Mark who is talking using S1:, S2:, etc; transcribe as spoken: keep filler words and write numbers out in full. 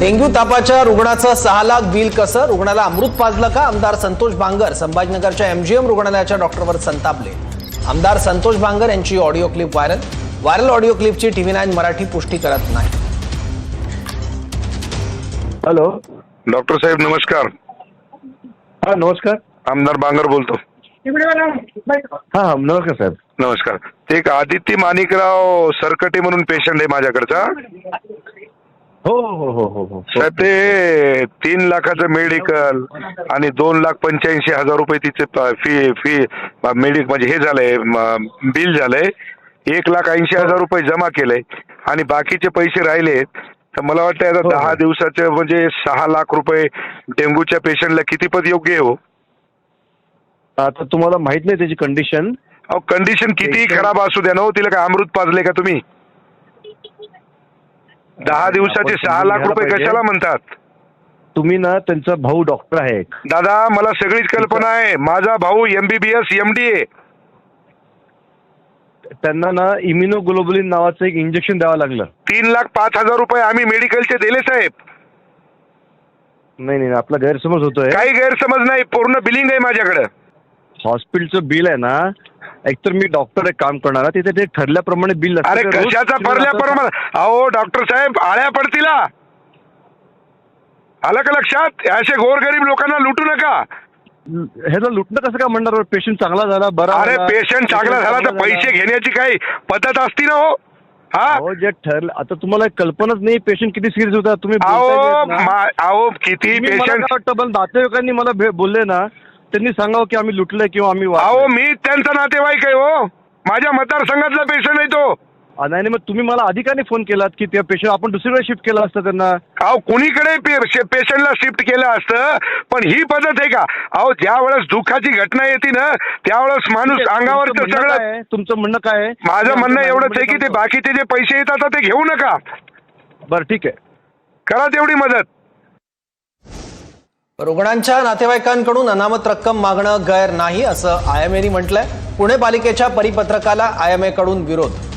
S1: Dengue तापाच्या रुग्णाचं सहा lakh bill कसं? रुग्णाला अमृत पाजलं का? आमदार संतोष बांगर संभाजीनगरच्या एमजीएम रुग्णालयाच्या डॉक्टरवर संतापले। आमदार संतोष बांगर यांची audio clip viral viral audio क्लिपची टीव्ही नाईन मराठी पुष्टी करत नाही।
S2: हॅलो
S3: डॉक्टर साहेब नमस्कार।
S2: हा नमस्कार,
S3: आमदार बांगर बोलतो।
S2: हा हा नमस्कार साहेब।
S3: नमस्कार। ते एक आदित्य माणिकराव सरकटे म्हणून पेशंट आहे माझ्याकडचा।
S2: हो हो हो हो हो
S3: साहेब ते तीन लाखाचं मेडिकल आणि दोन लाख पंच्याऐंशी हजार रुपये तिचे फी फी मेडिक म्हणजे हे झालंय बिल झालंय। एक लाख ऐंशी हजार रुपये जमा केलंय आणि बाकीचे पैसे राहिले। तर मला वाटतं आता दहा दिवसाचे म्हणजे सहा लाख रुपये डेंग्यूच्या पेशंटला किती पद योग्य आहे हो?
S2: आता तुम्हाला माहित नाही त्याची कंडिशन?
S3: अहो कंडिशन किती खराब असू द्या ना हो, तिला काय अमृत पाजले का तुम्ही? दहा दिवसाचे सहा लाख रुपये कशाला म्हणतात
S2: तुम्ही? ना त्यांचा भाऊ डॉक्टर आहे।
S3: दादा मला सगळीच कल्पना आहे, माझा भाऊ एमबीबीएस एमडी आहे।
S2: त्यांना ना इम्युनोग्लोबुलिन नावाचं एक इंजेक्शन द्यावं लागलं।
S3: तीन लाख पाच हजार रुपये आम्ही मेडिकलचे दिले साहेब।
S2: नाही नाही आपला गैरसमज होतोय।
S3: काही गैरसमज नाही, पूर्ण बिलिंग आहे माझ्याकडे।
S2: हॉस्पिटलचं बिल आहे ना, एकतर मी डॉक्टर एक काम करणार तिथे ते ठरल्याप्रमाणे बिल असतं।
S3: अरे कशाचा ठरल्याप्रमाणे? अहो डॉक्टर साहेब आळ्या पडतील। आलं का लक्षात? असे गोरगरीब लोकांना लुटू नका।
S2: हे जर लुटणं कसं काय म्हणणार? पेशंट चांगला झाला बरा।
S3: अरे पेशंट चांगला झाला तर पैसे घेण्याची काही पद्धत असती ना हो?
S2: हा जे ठरलं, आता तुम्हाला कल्पनाच नाही पेशंट किती सिरियस होता। तुम्ही
S3: अहो किती पेशंट
S2: वाटतं नातेवाईकांनी मला बोलले ना, त्यांनी सांगावं की आम्ही लुटलंय किंवा आम्ही।
S3: अहो मी त्यांचा नातेवाईक आहे हो, माझ्या मतदारसंघातला पेशंट आहे तो।
S2: नाही नाही मग तुम्ही मला अधिकाने फोन केलात की त्या पेशंट आपण दुसरीकडे शिफ्ट केलं असतं त्यांना।
S3: अहो कुणीकडे पेशंटला शिफ्ट केलं असतं, पण ही पद्धत आहे का? अहो ज्या वेळेस दुःखाची घटना येते ना त्यावेळेस माणूस अंगावरचं सगळं।
S2: तुमचं म्हणणं काय आहे?
S3: माझं म्हणणं एवढंच आहे की ते बाकीचे जे पैसे येतात ते घेऊ नका।
S2: बरं ठीक आहे,
S3: करा तेवढी मदत।
S1: रुग्णांच्या नातेवाईकांकडून अनामत रक्कम मागणं गैर नाही असं आयएमएने म्हटलंय। पुणे पालिकेच्या परिपत्रकाला आयएमए कडून विरोध।